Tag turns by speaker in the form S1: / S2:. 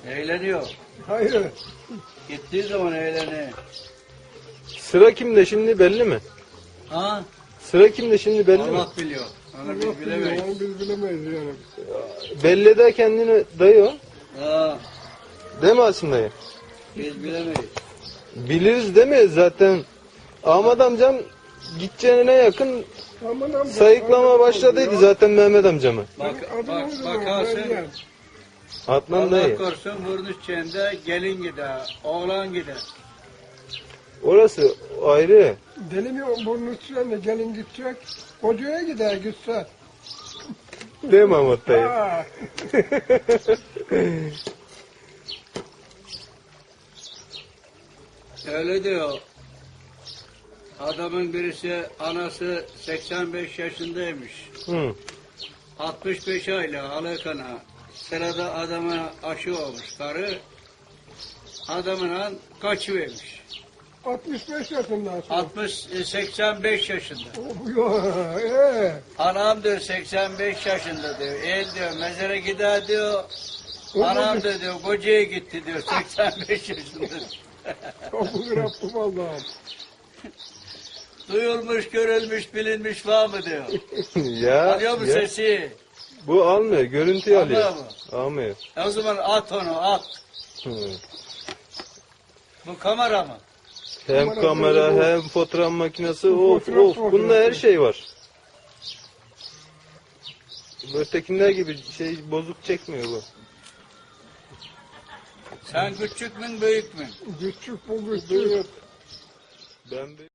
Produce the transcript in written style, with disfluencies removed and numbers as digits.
S1: Eğleniyor.
S2: Hayır.
S1: Gittiği zaman eğleniyor.
S3: Sıra kimde şimdi belli mi?
S1: Ha?
S3: Sıra kimde şimdi belli mi?
S1: Allah biliyor. Onu
S2: Allah
S1: biz
S2: biliyor,
S1: bilemeyiz.
S2: onu biz bilemeyiz yani.
S3: Belli de kendini dayı o.
S1: Ha,
S3: Değil mi Asım dayı?
S1: biz bilemeyiz.
S3: Biliriz değil mi zaten? Ahmet amcam gideceğine yakın
S2: Aman amca,
S3: sayıklama
S2: aman
S3: başladıydı
S2: ya.
S3: zaten Mehmet amcamı.
S1: Bakarsın.
S3: Adnan
S1: Allah
S3: dayı.
S1: korusun vurmuşçağında gelin gider, oğlan gider.
S3: Orası ayrı.
S2: Deli mi burnu sürene gelin gidecek. Kocaya gider gitse.
S3: Değil mi Ahmet dayı?
S2: Ha.
S1: Öyle diyor. Adamın birisi anası 85 yaşındaymış.
S3: Hı.
S1: 65 aylık alakana. Sırada adama aşı olmuş karı. Adamla kaçıvermiş.
S2: 65 yaşından sonra.
S1: 85 yaşında.
S2: Yok.
S1: Anam diyor 85 yaşında diyor. El diyor mezara gider diyor. Anam da diyor kocaya gitti diyor 85 yaşında.
S2: Kapı Rabbim Allah'ım.
S1: Duyulmuş, görülmüş, bilinmiş var mı diyor.
S3: Ya,
S1: Alıyor mu
S3: ya.
S1: sesi?
S3: Bu almıyor, görüntüyü alıyor.
S1: Almıyor mu?
S3: Almıyor.
S1: O zaman at onu at.
S3: Hı.
S1: Bu kamera mı?
S3: Hem kamera hem fotoğraf makinesi of
S2: Fotoğraf
S3: of bunda
S2: makinesi.
S3: her şey var. Ötekiler gibi şey bozuk çekmiyor bu.
S1: Sen küçük mü büyük mü?
S2: Küçük bu küçük.
S3: Ben